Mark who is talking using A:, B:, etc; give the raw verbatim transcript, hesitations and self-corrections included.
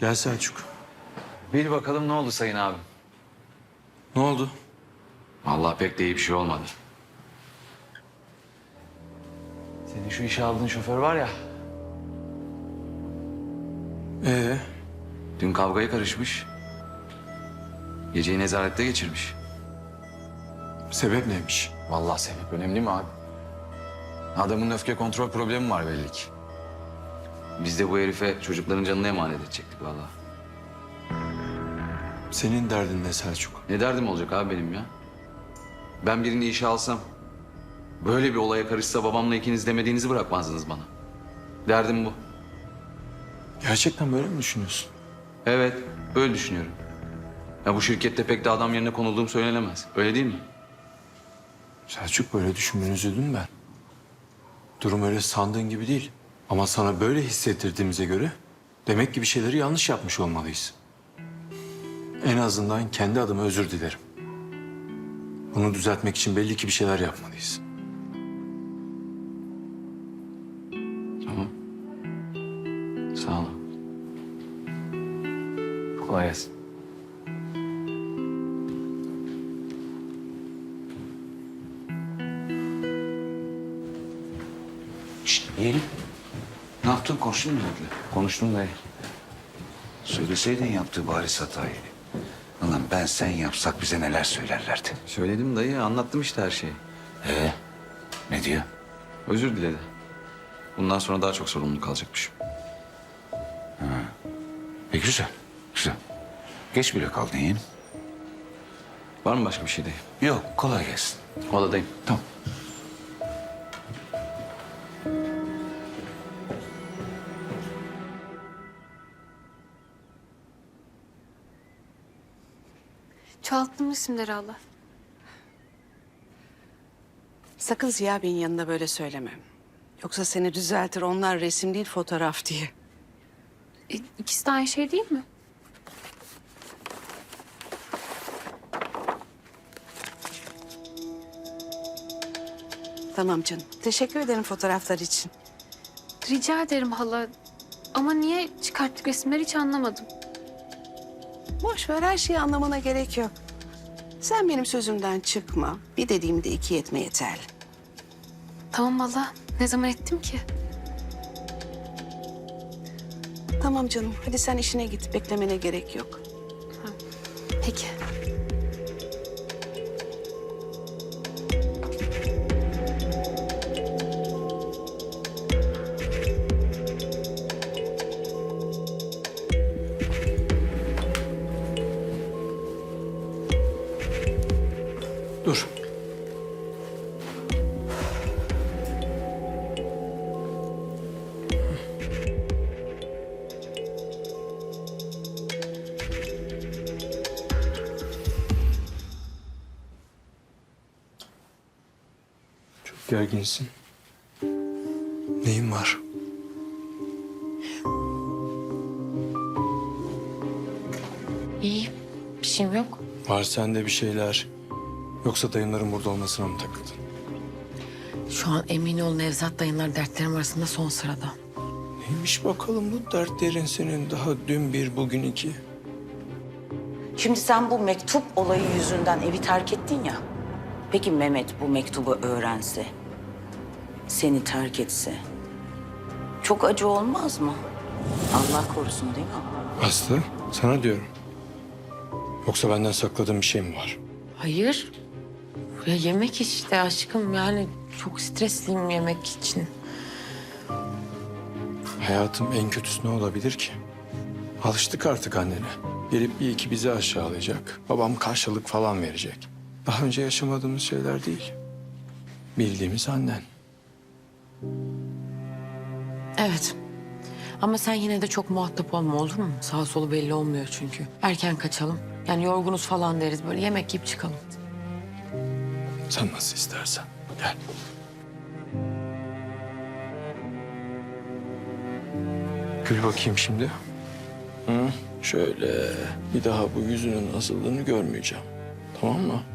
A: Gel Selçuk.
B: Bil bakalım ne oldu sayın abim?
A: Ne oldu?
B: Vallahi pek de iyi bir şey olmadı. Senin şu işe aldığın şoför var ya,
A: Ee,
B: dün kavgaya karışmış. Geceyi nezarette geçirmiş.
A: sebep neymiş?
B: Vallahi sebep önemli mi abi? Adamın öfke kontrol problemi var belli ki. Biz de bu herife çocukların canını emanet edecektik vallahi.
A: Senin derdin ne Selçuk?
B: Ne derdim olacak abi benim ya? Ben birini işe alsam, böyle bir olaya karışsa babamla ikiniz demediğinizi bırakmazdınız bana. Derdim bu.
A: Gerçekten böyle mi düşünüyorsun?
B: Evet, öyle düşünüyorum. Ya bu şirkette pek de adam yerine konulduğum söylenemez. Öyle değil mi?
A: Selçuk, böyle düşünmeni üzüldüm ben. Durum öyle sandığın gibi değil. Ama sana böyle hissettirdiğimize göre demek ki bir şeyleri yanlış yapmış olmalıyız. En azından kendi adıma özür dilerim. Bunu düzeltmek için belli ki bir şeyler yapmalıyız.
B: Tamam. Sağ olun. Kolay gelsin.
C: Şşt yeğenim. Ne yaptın? Konuştun mu Mehmet'le?
B: Konuştum dayı.
C: Söyleseydin yaptığı bariz hatayı. Ulan ben sen yapsak bize neler söylerlerdi.
B: Söyledim dayı, anlattım işte her şeyi.
C: Ee, ne diyor?
B: Özür diledi. Bundan sonra daha çok sorumluluk alacakmışım.
C: E güzel, güzel. Geç bile kaldın yeğenim.
B: Var mı başka bir şey dayı?
C: Yok, kolay gelsin.
B: Odadayım.
C: Tamam.
D: Çoğalttım isimleri Allah.
E: Sakın Ziya Bey'in yanında böyle söyleme. Yoksa seni düzeltir, onlar resim değil fotoğraf diye.
D: E, ikisi de aynı şey değil mi?
E: Tamam canım. Teşekkür ederim fotoğraflar için.
D: Rica ederim hala. Ama niye çıkarttık resimleri hiç anlamadım.
E: Boş ver, her şeyi anlamana gerek yok. Sen benim sözümden çıkma. Bir dediğimi de iki etme yeterli.
D: Tamam hala. Ne zaman ettim ki?
E: Tamam canım. Hadi sen işine git. Beklemene gerek yok.
D: Peki.
A: Dur. Çok gerginsin. Neyin var?
F: İyi. Bir şeyim yok.
A: Var sende bir şeyler. Yoksa dayımların burada olmasına mı takıldın?
F: Şu an emin ol Nevzat dayınlar dertlerim arasında son sırada.
A: Neymiş bakalım bu dertlerin senin, daha dün bir bugün iki.
G: Şimdi sen bu mektup olayı yüzünden evi terk ettin ya. Peki Mehmet bu mektubu öğrense, seni terk etse çok acı olmaz mı? Allah korusun değil mi?
A: Aslı, sana diyorum. Yoksa benden sakladığın bir şey mi var?
F: Hayır. Ya yemek işte aşkım yani çok stresliyim yemek için.
A: Hayatım en kötüsü ne olabilir ki? Alıştık artık annene. Gelip bir iki bizi aşağılayacak. Babam karşılık falan verecek. Daha önce yaşamadığımız şeyler değil. Bildiğimiz annen.
F: Evet. Ama sen yine de çok muhatap olma olur mu? Sağ solu belli olmuyor çünkü. Erken kaçalım. Yani yorgunuz falan deriz böyle yemek yiyip çıkalım.
A: Sen nasıl istersen. Gel. Gül bakayım şimdi. Hı? Şöyle bir daha bu yüzünün asıldığını görmeyeceğim. Tamam mı?